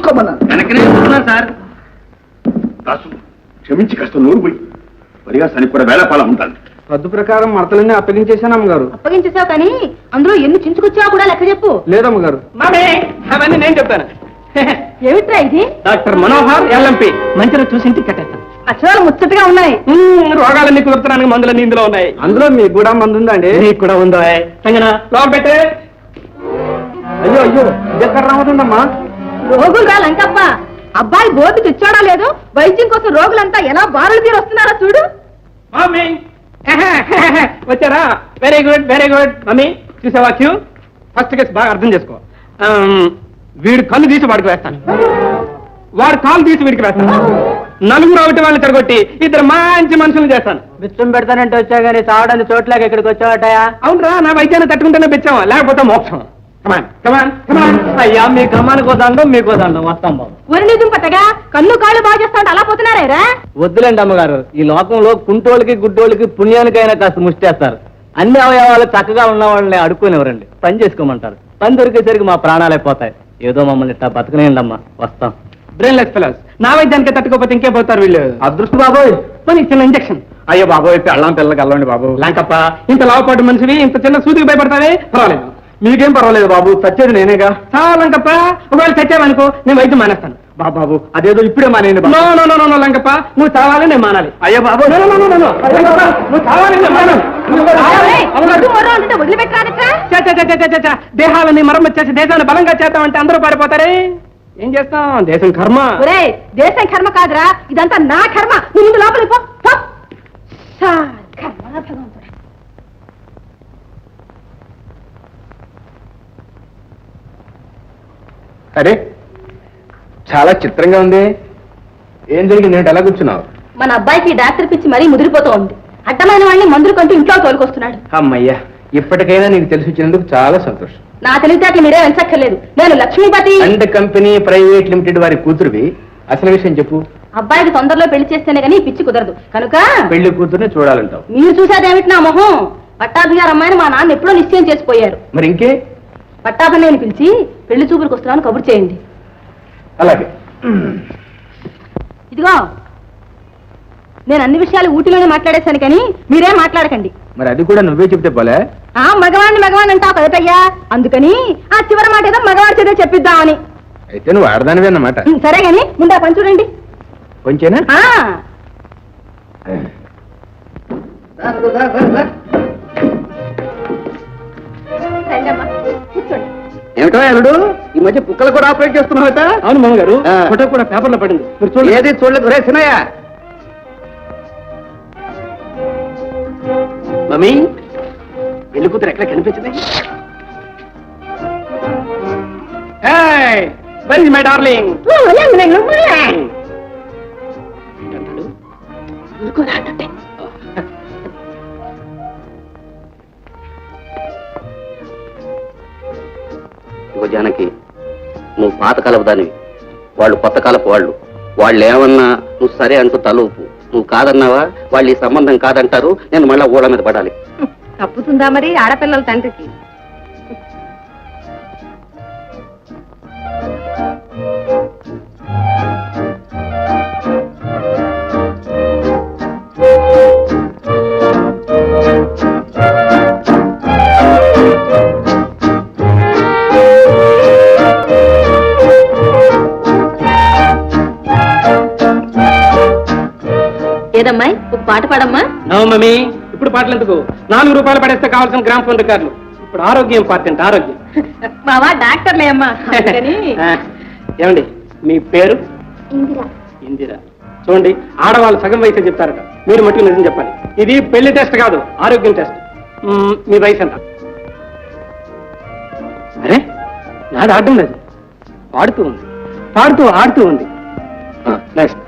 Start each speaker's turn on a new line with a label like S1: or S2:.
S1: చూసుకోమన్నాను.
S2: వెనకనే చూస్తున్నాను సార్.
S3: దాసు క్షమించి కాస్త నోరు పోయి పరిహాసానికి కూడా వేళపాలం ఉంటాను.
S1: పద్దు ప్రకారం మడతలన్నీ అప్పగించేశాను అమ్మగారు.
S4: అప్పగించేసావు కానీ అందులో ఎన్ని చించుకొచ్చావో కూడా లెక్క చెప్పు.
S1: లేదమ్మగారు.
S2: మామే అవన్నీ నేను చెప్తాను.
S4: ఏమిట్రా ఇది?
S2: డాక్టర్ మనోహర్ ఎల్ఎంపి మంచిగా చూసి ఇంటికి కట్టేస్తాను.
S4: అక్షరాలు ముచ్చటగా ఉన్నాయి.
S2: రోగాలన్నీ కుదురుతున్నానికి మందులన్నీ ఇందులో ఉన్నాయి.
S1: అందులో మీకు కూడా మందు ఉందండి?
S2: నీకు కూడా ఉందా? లోపల పెట్టే.
S1: అయ్యో అయ్యో ఎక్కడ రావదండమ్మా.
S4: రోగులు రా లంకప్ప. అబ్బాయి బోర్డు తెచ్చాడా లేదు, వైద్యం కోసం రోగులంతా ఎలా బారులు తీరు వస్తున్నారా చూడు.
S2: మమ్మీ వచ్చారా? Very good very good. Mummy చూసావా క్యూ? ఫస్ట్ కేసు బాగా అర్థం చేసుకో. వీడు కళ్ళు తీసి వాడికి వేస్తాను, వాడు కాలు తీసి వీడికి వేస్తాను. నలుగురు ఒకటి వాళ్ళని తిరగొట్టి ఇద్దరు మంచి మనుషులు చేస్తాను.
S1: బిచ్చం పెడతానంటే వచ్చా గానీ తాగడానికి చోట్లేక ఇక్కడికి వచ్చావటయా?
S2: అవునరా, నా వైద్యాన్ని తట్టుకుంటేనే పెంచావా, లేకపోతే మోక్షం. కమాన్ కమాన్ కమాన్.
S1: అయ్యా మీ కమ్మానికి దండం మీకు దండం. వస్తాం బాబు.
S4: ఒరి నిజం పట్టగా కన్ను కాళ్ళు బాగా చేస్తా ఉంటే అలా పోతున్నారా?
S1: వద్దులేండి అమ్మగారు, ఈ లోకంలో కుంటోళ్ళకి గుడ్డోళ్ళకి పుణ్యానికైనా కాస్త ముష్టేస్తారు. అన్ని అవయవాలు చక్కగా ఉన్న వాళ్ళని అడుక్కునేవరండి. పని చేసుకోమంటారు. పని దొరికేసరికి మా ప్రాణాలే పోతాయి. ఏదో మమ్మల్ని ఇట్టా బతకనేయండి అమ్మా. వస్తాం.
S2: Brainless fellows. నా వైద్యానికి తట్టుకోపోతే ఇంకే పోతారు వీళ్ళు.
S1: అదృష్టం బాబోయ్.
S2: పని చిన్న ఇంజక్షన్.
S1: అయ్యో బాబోయ్, పెళ్ళం పిల్లకి వెళ్ళండి బాబు.
S2: లేకప్ప ఇంత లావుపాటు మనిషివి ఇంత చిన్న సూదికి భయపడతావే? పర్వాలేదు.
S1: మీకేం పర్వాలేదు బాబు, చచ్చేది నేనేగా.
S2: చాలా లంకప్ప, ఒకవేళ చచ్చావనుకో నేను వైద్యం మానేస్తాను.
S1: బాబు అదేదో ఇప్పుడే మానేయండి.
S2: No no no no Lankappa, నువ్వు చావాలి నేను మానాలి.
S1: అయ్యో బాబు,
S2: నువ్వు చావాలి నేను మానాలి.
S4: వదిలిపెట్టరా?
S2: దేహాలని మరమ్మతు చేసి దేశాన్ని బలంగా చేద్దామంటే అందరూ పారిపోతారే. ఏం చేస్తాం? దేశం కర్మ.
S4: దేశం కర్మ కాదురా, ఇదంతా నా కర్మ. నువ్వు ముందు లోపలికి పో. కర్మ భగవంతుడా.
S1: అరే చాలా చిత్రంగా ఉంది. ఏం జరిగింది? నేను ఎలా కూర్చున్నావు?
S4: మన అబ్బాయికి డాక్టర్ పిచ్చి మరీ ముదిరిపోతూ ఉంది. అడ్డమైన వాడిని మందులు కంటూ ఇంట్లో తోలుకొస్తున్నాడు.
S1: అమ్మయ్యా, ఇప్పటికైనా నీకు తెలిసి వచ్చినందుకు చాలా సంతోషం.
S4: నా తెలివితేటలు మీరే వెంచక్కర్లేదు. నేను Lakshmipathi
S1: and company private limited వారి కూతురువి. అసలు విషయం చెప్పు.
S4: అబ్బాయికి తొందరలో పెళ్లి చేస్తేనే కానీ పిచ్చి కుదరదు కనుక
S1: పెళ్లి కూతురుని చూడాలంటావు.
S4: మీరు చూసేదేమిటి నా మొహం? పట్టాభిగారు అమ్మాయిని మా నాన్న ఎప్పుడో నిశ్చయం చేసిపోయారు.
S1: మరి ఇంకే?
S4: పట్టాభిని పిలిచి పెళ్లి చూపులకు వస్తున్నాను కబురు చేయండి.
S1: అలాగే.
S4: ఇదిగో నేను అన్ని విషయాలు ఊటిలోనే మాట్లాడేశాను కానీ మీరేం మాట్లాడకండి.
S1: మరి అది కూడా నువ్వే చెప్తే పోలే.
S4: మగవాణ్ణి అంటావు కదటయ్యా, అందుకని ఆ చివరి మాట ఏదో మగవాడి చేత చెప్పిద్దామని.
S1: అయితే నువ్వు ఆడదానివే అన్నమాట.
S4: సరే గాని ముందు ఆ పని చూడండి.
S1: కొంచెనా?
S4: కూర్చోండి.
S1: ఏమిటో అల్లుడు, ఈ మధ్య కుక్కలు కూడా ఆపరేట్ చేస్తున్నావుట?
S2: అవును మామగారు, ఫోటో కూడా పేపర్లో పడింది. మీరు చూడండి.
S1: ఏది చూడలేదు రే సినయ్య. మమ్మీ, పెళ్లి కూతురు ఎక్కడ కనిపించింది?
S2: Very my darling.
S5: జానకి, నువ్వు పాతకాలపు దానివి, వాళ్ళు కొత్త కాలపు వాళ్ళు ఏమన్నా నువ్వు సరే అంటూ తలూపు. నువ్వు కాదన్నావా వాళ్ళు ఈ సంబంధం కాదంటారు. నేను మళ్ళా ఊళ్ళ మీద పడాలి.
S4: తప్పుతుందా మరి ఆడపిల్లల తండ్రికి? ఏదమ్మాయి ఒక పాట పాడమ్మా.
S2: నో మమ్మీ, ఇప్పుడు పాటలు ఎందుకు? 4 రూపాయలు పడేస్తే కావాల్సిన గ్రామ్ ఫోన్ రికార్డులు. ఇప్పుడు ఆరోగ్యం ఇంపార్టెంట్. ఆరోగ్యం.
S4: మావా డాక్టర్లే అమ్మా.
S2: ఏమండి మీ పేరు?
S4: ఇందిరా.
S2: ఇందిరా. చూడండి, ఆడవాళ్ళు సగం వయసు చెప్తారట, మీరు మట్టుకు నిజం చెప్పాలి. ఇది పెళ్లి టెస్ట్ కాదు, ఆరోగ్యం టెస్ట్. మీ వయసు ఎంత? అరే నాది ఆడడం లేదు, పాడుతూ ఉంది, పాడుతూ ఆడుతూ ఉంది. నెక్స్ట్